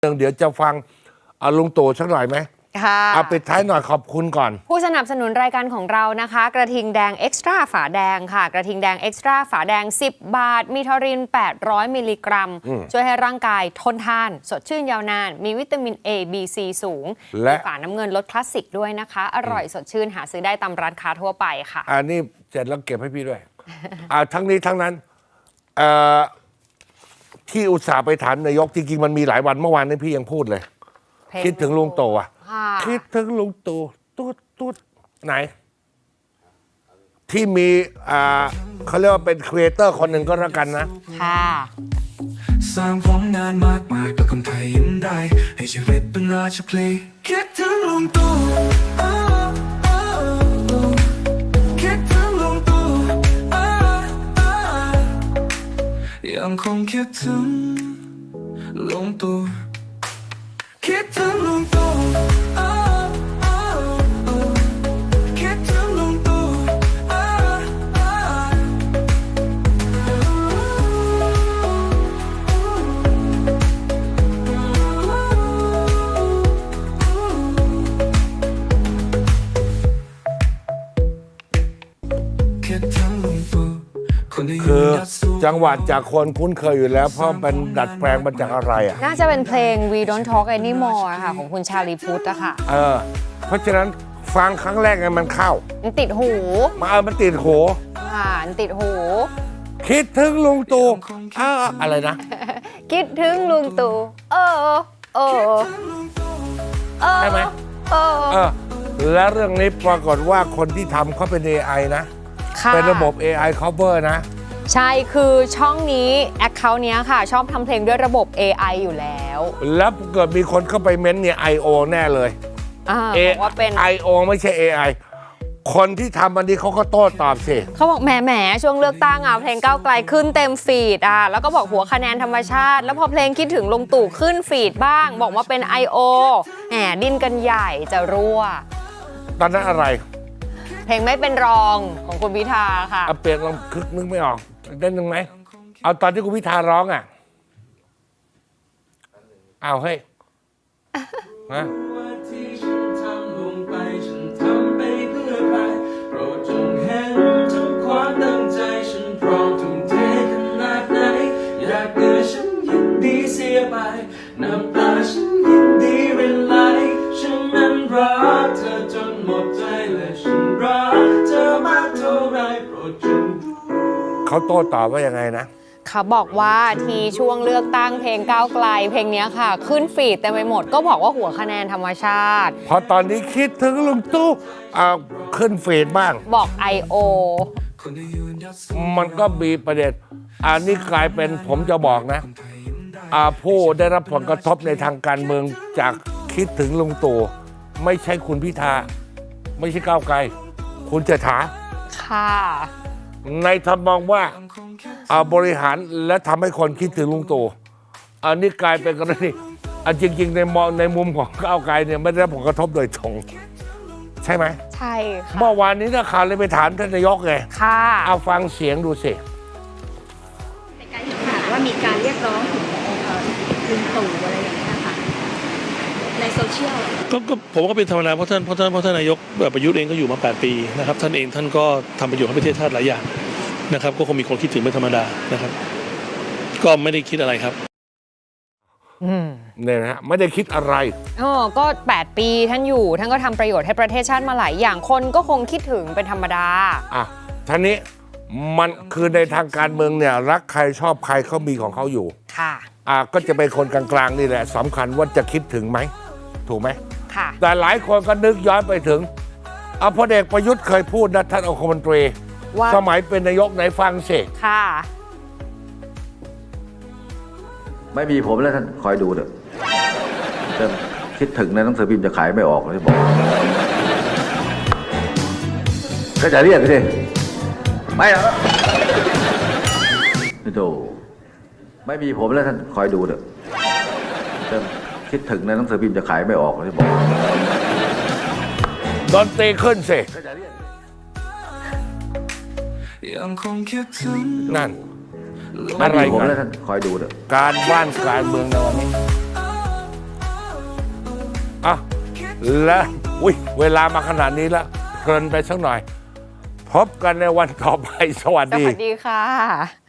เดี๋ยวจะฟังลุงตู่สักหน่อยไหมค่ะเอาปิดท้ายหน่อยขอบคุณก่อนผู้สนับสนุนรายการของเรานะคะกระทิงแดงเอ็กซ์ตร้าฝาแดงค่ะกระทิงแดงเอ็กซ์ตร้าฝาแดง10 บาทมีทอริน800มิลลิกรัมช่วยให้ร่างกายทนทานสดชื่นยาวนานมีวิตามิน A B C สูงและฝาน้ำเงินรสคลาสสิกด้วยนะคะอร่อยสดชื่นหาซื้อได้ตามร้านค้าทั่วไปค่ะอันนี้เสร็จแล้วเก็บให้พี่ด้วยทั้งนี้ทั้งนั้นที่อุตส่าห์ไปถามนายกจริงๆมันมีหลายวันเมื่อวานนี้พี่ยังพูดเลยคิดถึงลุงตู่คิดถึงลุงตู่ตุ๊ดไหนที่มีเขาเรียกว่าเป็นครีเอเตอร์คนหนึ่งก็แล้วกันนะค่ะสร้างผลงานมากมายกับคนไทยยิ้มได้ให้ชีวิตเป็นราชเพลงคิดถึงลุงตู่คิดถึงลุงตู่ยังคงคิดถึงลุงตู่คิดถึงลุงตู่คิดถึงลุงตู่คือจังหวัดจากคนคุ้นเคยอยู่แล้วเพราะเป็นดัดแปลงมาจากอะไรน่าจะเป็นเพลง We Don't Talk Anymore ค่ะของคุณชาลีพุทธอะค่ะเพราะฉะนั้นฟังครั้งแรกไงมันเข้ามันติดหูมันติดหูมันติดหูคิดถึงลุงตู่อะไรนะคิดถึงลุงตู่ใช่ไหมและเรื่องนี้ปรากฏว่าคนที่ทำเขาเป็น AI นะเป็นระบบ AI cover นะใช่คือช่องนี้ account เนี้ยค่ะชอบทำเพลงด้วยระบบ AI อยู่แล้วแล้วเกิดมีคนเข้าไปเม้นเนี่ย IO แน่เลยบอกว่าเป็น IO ไม่ใช่ AI คนที่ทำอันนี้เขาก็โต้ตอบสิเขาบอกแหมช่วงเลือกตั้งเพลงก้าวไกลขึ้นเต็มฟีดแล้วก็บอกหัวคะแนนธรรมชาติแล้วพอเพลงคิดถึงลุงตู่ขึ้นฟีดบ้างบอกว่าเป็น IO แหมดิ้นกันใหญ่จะรั่วตอนนั้นอะไรเพลงไม่เป็นรองของคุณพิธาค่ะเปลี่ยนลองคึกนึกไม่ออกได้นึงไหมเอาตอนที่คุณพิธาร้องเอาเฮ้ยนะน้ำตาฉันยินดีเวลาฉันนั้นรักเธอจนหมดใจและฉันรักเธอมากเท่าไรโปรดจงเขาโต้ตอบว่ายังไงนะเขาบอกว่าทีช่วงเลือกตั้งเพลงก้าวไกลเพลงนี้ค่ะขึ้นฟีดเต็มไปหมดก็บอกว่าหัวคะแนนธรรมชาติพอตอนนี้คิดถึงลุงตู่ขึ้นฟีดบ้างบอก IO มันก็มีประเด็นอันนี้กลายเป็นผมจะบอกนะผู้ได้รับผลกระทบในทางการเมืองจากคิดถึงลุงตู่ไม่ใช่คุณพิธาไม่ใช่ก้าวไกลคุณเศรษฐาค่ะในทำมองว่าบริหารและทำให้คนคิดถึงลุงตู่อันนี้กลายเป็นกรณีจริงๆในมุมของก้าวไกลเนี่ยไม่ได้รับผลกระทบโดยตรงใช่ไหมใช่ค่ะเมื่อวานนี้นักข่าวเลยไปถามท่านนายกไงค่ะเอาฟังเสียงดูสิในการเห็นข่าวว่ามีการเรียกร้องถึงลุงตู่อะไรอย่างนี้ค่ะในโซเชียลก็ผมก็เป็นธรรมดาเพราะท่านนายกประยุทธ์เองก็อยู่มา8 ปีนะครับท่านก็ทำประโยชน์ให้ประเทศชาติหลายอย่างนะครับก็คงมีคนคิดถึงเป็นธรรมดานะครับก็ไม่ได้คิดอะไรครับเนี่ยนะไม่ได้คิดอะไรก็8 ปีท่านอยู่ท่านก็ทำประโยชน์ให้ประเทศชาติมาหลายอย่างคนก็คงคิดถึงเป็นธรรมดาท่านี้มันคือในทางการเมืองเนี่ยรักใครชอบใครเขามีของเขาอยู่ค่ะก็จะเป็นคนกลางๆนี่แหละสำคัญว่าจะคิดถึงไหมถูกไหมค่ะแต่หลายคนก็นึกย้อนไปถึงพลเอกประยุทธ์เคยพูดนะท่านองคมนตรีสมัยเป็นนายกไหนฟังสิค่ะไม่มีผมแล้วท่านคอยดูเถอะจะคิดถึงในหนังสือพิมพ์จะขายไม่ออกเลยบอกก็จะเรียกสิไม่หรอกไม่ดูไม่มีผมแล้วท่านคอยดูเถอะจะคิดถึงในหนังสือพิมพ์จะขายไม่ออกเลยบอกดนตรีขึ้นสินั่นอะไรกันคอยดูเถอะการบ้านการเมืองในวันนี้อ่ะและอุ้ยเวลามาขนาดนี้แล้วเพลินไปสักหน่อย พบกันในวันต่อไป สวัสสดีวัสดีค่ะ